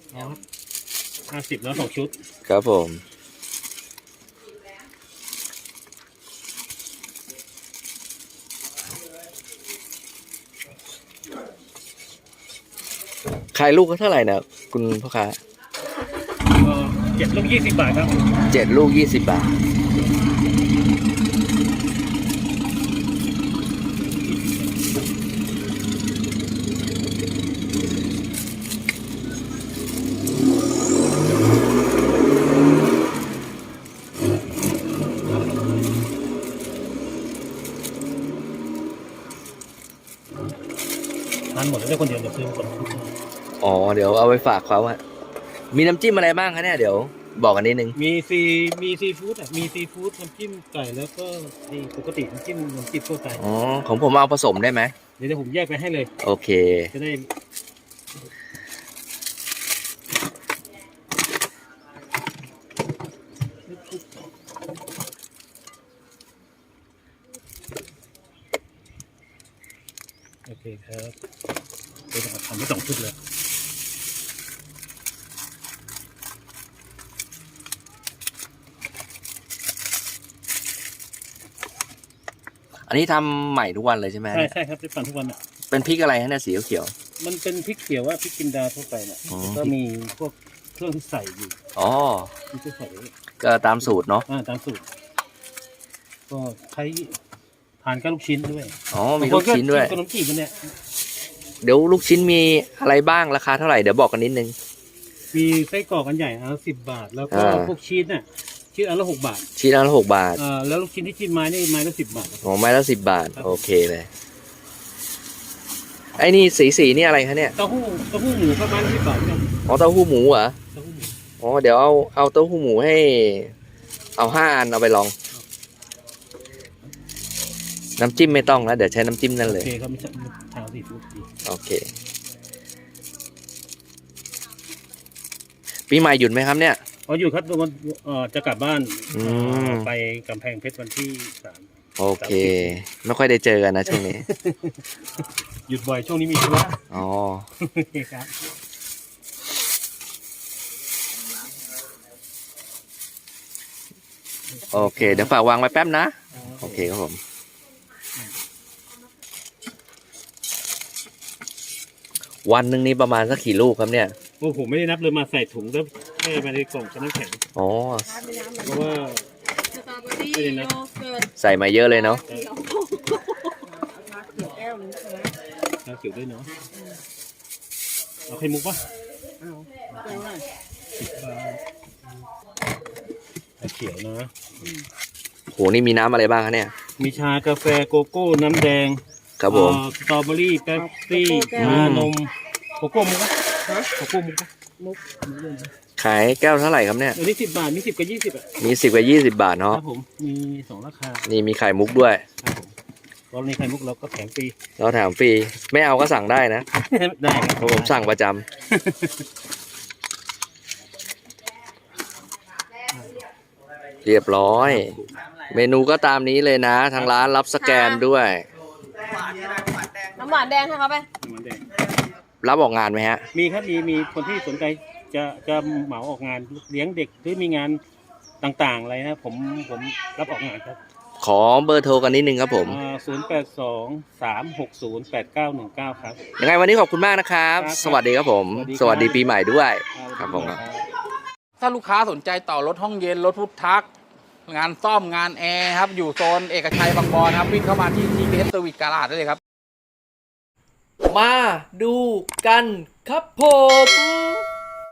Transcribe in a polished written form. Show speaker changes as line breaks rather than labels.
50แล้ว2 ชุด
ครับผมขายลูกก็เท่าไหร่นะคุณพ่อค้า
7 ลูก 20 บาทครับ
7 ลูก 20 บาท
ทานหมดแล้วได้คนเดียวเดี๋ยวซื้อมาก่อน
อ๋อเดี๋ยวเอาไปฝากเขาอะมีน้ำจิ้มอะไรบ้างคะเนี่ยเดี๋ยวบอกกันนิดนึง
มีซีฟู้ดอ่ะมีซีฟู้ดน้ำจิ้มไก่แล้วก็ปกติน้ำจิ้มทั่วไป
อ๋อของผมเอาผสมได้ไหม
เดี๋ยวผมแยกไปให้เลย
โอเค
จะได้โอเคครับเดี๋ยวทำให้2 ชุดเลย
อันนี้ทำใหม่ทุกวันเลยใช่ไหม
ใช่ครับได้ปั่นทุกวันอ่ะ
เป็นพริกอะไรฮะเนี่ยสีเขียว
มันเป็นพริกเขียวว่าพริกจินดาทั่วไปเนี่ยก็มีพวกเครื่องที่ใส่อยู่
อ๋อ
ที่ใส่
ก็ตามสูตรเนาะ
ตามสูตรก็ใช้ทานกับลูกชิ้นด้วย
อ๋อมีลูกชิ้นด้วย
ขนมจีบมันเนี่ย
เดี๋ยวลูกชิ้นมีอะไรบ้างราคาเท่าไหร่เดี๋ยวบอกกันนิดนึง
มีไส้กรอกอันใหญ่10 บาทแล้วก็พวกชีสเนี่ยชีสอันละ6 บาท
ชีสอันละ6 บาท
แล้วลูกชิ้นที่ชิ้นไม้นี่ไม้ละ10 บาท
อ๋อไม้ละ10 บาทโอเคเลยไอ้นี่สีนี่อะไรคะเนี่ย
เต้าหู้หมูครับไม้ละ10 บาทครับ
อ๋อเต้าหู้หมูเหรออ๋อเดี๋ยวเอาเต้าหู้หมูให้เอา5 อันเอาไปลองน้ำจิ้มไม่ต้องแล้วเดี๋ยวใช้น้ำจิ้มนั่นเลย
โอเคครับไม่ใช่ทางสีฟู้ดดี
โอเคปีใหม่หยุดไหมครับเนี่ย
อยู่ครับวันจะกลับบ้านไปกำแพงเพชรวันที่3
โอเคไม่ค่อยได้เจอกันนะช่วงนี้
หยุดบ่อยช่วงนี้มีธุระ
อ๋อ
ครับ
โอเคเดี๋ยวฝากวางไว้แป๊บนะโอเคครับผมวันหนึ่งนี้ประมาณสักกี่ลูกครับเนี่ย
โอ้ผมไม่ได้นับเลยมาใส่ถุงแล้วแม่มาในกล่องกับน้ำแข็ง
อ๋อ
เพราะว่า
ใส่มาเยอะเลยเนาะ
ชาเขียวด้วยเนาะเอาไข่มุกปะชาเขียวนะ
โหนี่มีน้ำอะไรบ้างคะเนี่ย
มีชากาแฟโกโก้น้ำแดง
ครับผม
สตรอเบอรี่เป๊ปซี่นมโกโก้มุกโกโก้มุก
ขายแก้วเท่าไหร่ครับเนี่ย
นี่10 บาทมี10 กับ 20อ่ะ
มี10 กับ 20 บาทเนาะ
ครับผมมี2 ราคา
นี่มีไข่มุกด้วย
ครับผมตอนนี้ไข่มุกเราก็แถมฟรี
เราแถมฟรีไม่เอาก็สั่งได้นะ
ได้ครับ
ผมสั่งประจำเรียบร้อยเมนูก็ตามนี้เลยนะทางร้านรับสแกนด้วย
น้ำหวานแดงให้เขาไป
รับออกงานไหมฮะ
มีครับมีคนที่สนใจจะเหมาออกงานเลี้ยงเด็กหรือมีงานต่างๆอะไรนะผมรับออกงานครับ
ขอเบอร์โทรกันนิดนึงครับผม
0823608919ครับ
ยังไงวันนี้ขอบคุณมากนะครับสวัสดีครับผมสวัสดีปีใหม่ด้วยครับผม
ถ้าลูกค้าสนใจต่อรถห้องเย็นรถพุทธักงานซ่อมงานแอร์ครับอยู่โซนเอกชัยบางบอนครับวิ่งเข้ามาที่ TBS Service Garage ได้เลยครับ
มาดูกันครับผม